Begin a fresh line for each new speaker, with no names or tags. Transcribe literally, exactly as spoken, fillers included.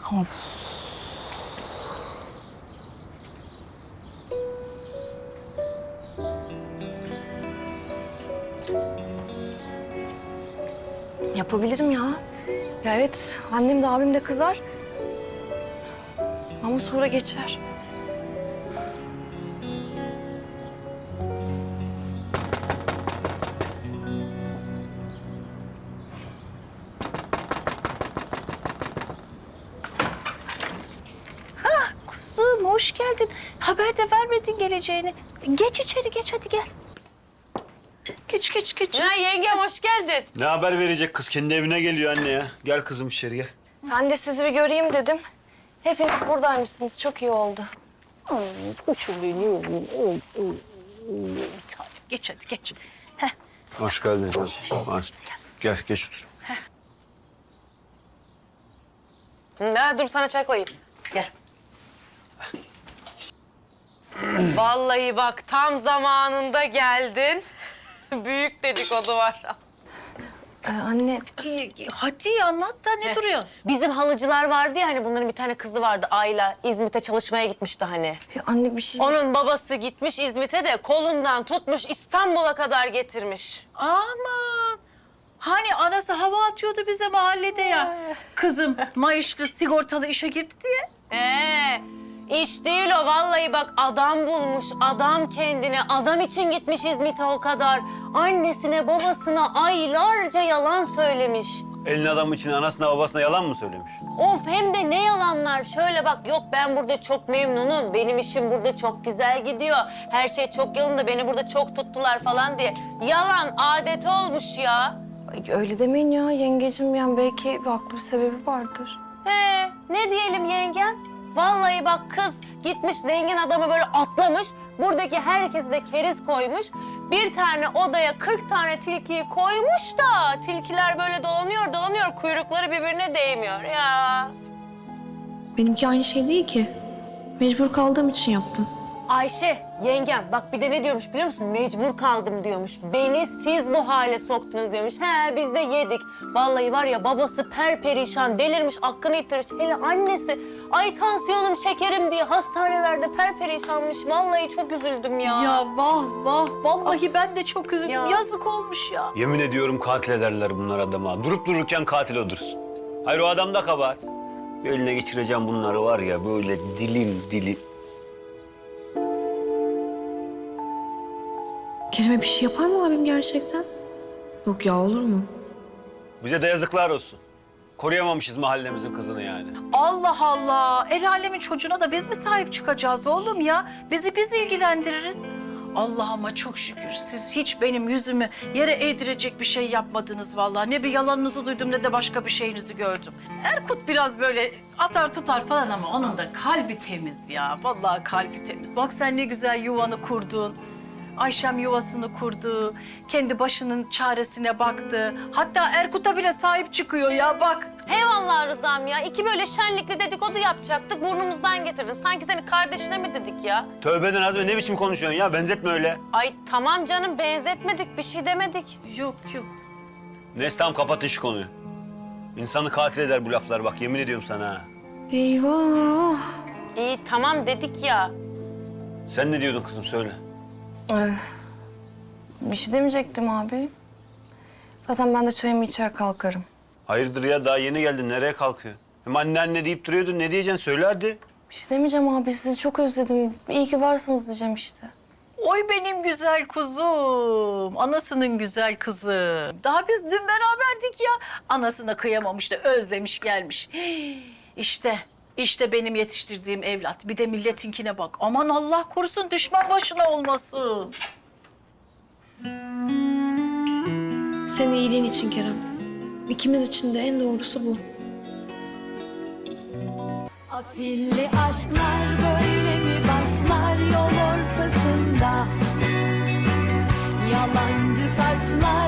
Of. Yapabilirim ya. Ya evet, annem de abim de kızar. Ama sonra geçer.
Kuzum hoş geldin. Haber de vermedin geleceğini. Geç içeri geç hadi gel. Geç geç geç.
Ya yengem hoş geldin.
Ne haber verecek kız? Kendi evine geliyor anne ya. Gel kızım içeri gel.
Ben de sizi bir göreyim dedim. Hepiniz buradaymışsınız. Çok iyi oldu.
Kuşum benim. Bir tanem geç hadi geç. Heh.
Hoş geldin. Hoş. Gel geç otur.
Ya dur sana çay koyayım.
Gel.
Vallahi bak tam zamanında geldin. Büyük dedikodu var.
Ee, anne,
Ay, hadi anlat da ne duruyor?
Bizim halıcılar vardı ya hani bunların bir tane kızı vardı Ayla. İzmit'e çalışmaya gitmişti hani.
ya anne bir şey...
Onun babası gitmiş İzmit'e de kolundan tutmuş İstanbul'a kadar getirmiş.
Aman. Hani anası hava atıyordu bize mahallede ya. Kızım maaşlı sigortalı işe girdi diye.
Ee, iş değil o vallahi bak adam bulmuş, adam kendine, adam için gitmiş İzmit'e o kadar. Annesine, babasına aylarca yalan söylemiş.
Elin adamı için anasına babasına yalan mı söylemiş?
Of hem de ne yalanlar. Şöyle bak yok ben burada çok memnunum, benim işim burada çok güzel gidiyor. Her şey çok yolunda, beni burada çok tuttular falan diye. Yalan adeti olmuş ya.
Ay, öyle demeyin ya yengecim. Yani belki bir haklı bir sebebi vardır.
He, ne diyelim yengem? Vallahi bak kız gitmiş zengin adamı böyle atlamış. Buradaki herkesi de keriz koymuş. Bir tane odaya kırk tane tilkiyi koymuş da tilkiler böyle dolanıyor dolanıyor kuyrukları birbirine değmiyor ya.
Benimki aynı şey değil ki. Mecbur kaldığım için yaptım.
Ayşe yengem bak bir de ne diyormuş biliyor musun? Mecbur kaldım diyormuş. Beni siz bu hale soktunuz diyormuş. He biz de yedik. Vallahi var ya babası perperişan delirmiş aklını yitirmiş. Hele annesi ay tansiyonum şekerim diye hastanelerde perperişanmış. Vallahi çok üzüldüm ya.
Ya vah vah vallahi ben de çok üzüldüm.
Ya.
Yazık olmuş ya.
Yemin ediyorum katil ederler bunlar adama. Durup dururken katil olursun. Hayır o adam da kabahat. Bir eline geçireceğim bunları var ya böyle dilim dilim.
Kerem'e bir şey yapar mı abim gerçekten? Yok ya, olur mu?
Bize de yazıklar olsun. Koruyamamışız mahallemizin kızını yani.
Allah Allah. El alemin çocuğuna da biz mi sahip çıkacağız oğlum ya? Bizi biz ilgilendiririz. Allah'ıma çok şükür siz hiç benim yüzümü yere eğdirecek bir şey yapmadınız vallahi. Ne bir yalanınızı duydum ne de başka bir şeyinizi gördüm. Erkut biraz böyle atar tutar falan ama onun da kalbi temiz ya. Vallahi kalbi temiz. Bak sen ne güzel yuvanı kurdun. Ayşem yuvasını kurdu, kendi başının çaresine baktı. Hatta Erkut'a bile sahip çıkıyor ya bak.
Eyvallah Rızam ya. İki böyle şenlikli dedikodu yapacaktık. Burnumuzdan getirdin. Sanki seni kardeşine mi dedik ya?
Tövbeden Azmi ne biçim konuşuyorsun ya? Benzetme öyle.
Ay tamam canım benzetmedik. Bir şey demedik.
Yok yok.
Neyse tamam kapatın şu konuyu. İnsanı katil eder bu laflar bak yemin ediyorum sana ha.
Eyvah.
İyi tamam dedik ya.
Sen ne diyordun kızım söyle.
Ee, bir şey demeyecektim abi. Zaten ben de çayımı içer kalkarım.
Hayırdır ya daha yeni geldin nereye kalkıyor? Hem anne anne deyip duruyordun ne diyeceksin söyle hadi.
Bir şey demeyeceğim abi. Sizi çok özledim. İyi ki varsınız diyeceğim işte.
Oy benim güzel kuzum, anasının güzel kızı. Daha biz dün beraberdik ya. Anasına kıyamamış da özlemiş gelmiş. Hii, İşte, işte benim yetiştirdiğim evlat. Bir de milletinkine bak. Aman Allah korusun düşman başına olmasın.
Senin iyiliğin için Kerem. İkimiz için de en doğrusu bu.
Afilli aşklar böyle mi başlar yol ortasında? Yalancı taçlar